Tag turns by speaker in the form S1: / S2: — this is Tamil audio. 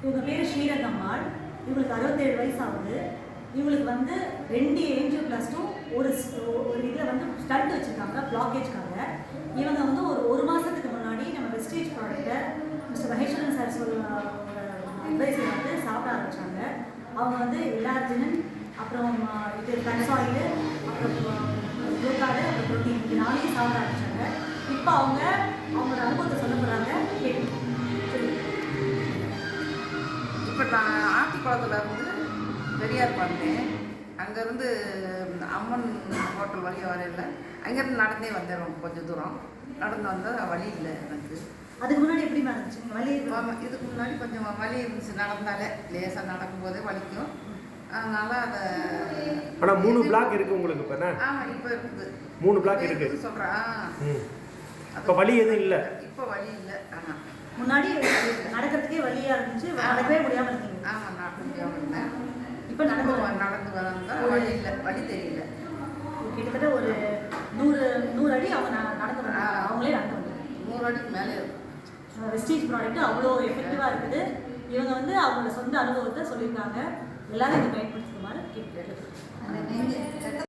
S1: இவங்க பேர் ஸ்ரீரங்கம்மாள். இவங்களுக்கு 67 வயசு ஆகுது. இவங்களுக்கு வந்து 2 ஏஞ்சியோபிளாஸ்டும் ஒரு இதில் வந்து ஸ்டண்ட் வச்சுருக்காங்க பிளாக்கேஜ்க்காக. இவங்க வந்து ஒரு மாதத்துக்கு முன்னாடி நம்ம வெஸ்டேஜ் ப்ராடக்ட்டை மிஸ்டர் மகேஸ்வரன் சார் அட்வைஸை வந்து சாப்பிட ஆரம்பித்தாங்க. அவங்க வந்து எல்லார்ஜினன், அப்புறம் இது ஃப்ளக்ஸ் ஆயில், அப்புறம் குளுக்காடு, அப்புறம் ப்ரோட்டீன் இது 4 சாப்பிட ஆரம்பித்தாங்க. இப்போ அவங்களோட அனுபவத்தை சொல்ல போகிறாங்க.
S2: இப்போ நான் ஆத்திக்குளத்தில் இருந்து பெரியார் பண்ணேன். அங்கேருந்து அம்மன் ஹோட்டல் வரையும் வரையில அங்கேருந்து நடந்தே வந்தேன். கொஞ்சம் தூரம் நடந்து வந்தால் வழி இல்லை எனக்கு.
S1: அதுக்கு முன்னாடி எப்படி இருந்துச்சு வலி?
S2: இதுக்கு முன்னாடி கொஞ்சம் வலி இருந்துச்சு. நடந்தாலே லேசாக நடக்கும்போதே வலிக்கும். அதனால் அதை
S3: ஆனால் 3 பிளாக் இருக்குது உங்களுக்கு இப்போ?
S2: இப்போ இருக்குது
S3: 3 பிளாக் இருக்குது
S2: சொல்கிறேன்.
S3: இப்போ வலி எதுவும் இல்லை?
S2: இப்போ வலி இல்லை.
S1: முன்னாடி நடக்கிறதுக்கே வலியாக இருந்துச்சு, நடக்கவே முடியாமல் இருந்தீங்க.
S2: நடக்க முடியாமல் இருந்தேன்.
S1: இப்போ நடந்து
S2: வந்தால் வலி இல்லை, வலி தெரியல.
S1: கிட்டத்தட்ட ஒரு 100 அடி அவங்க நடந்து வந்தாங்க. அவங்களே நடந்து வந்தாங்க.
S2: 100 அடிக்கு மேலே இருக்கும்.
S1: வெஸ்டேஜ் ப்ராடக்ட் அவ்வளோ எஃபெக்டிவாக இருக்குது. இவங்க வந்து அவங்களோட சொந்த அனுபவத்தை சொல்லியிருக்காங்க. எல்லாரும் இதை பயன்படுத்துமாறு கேட்குறேன்.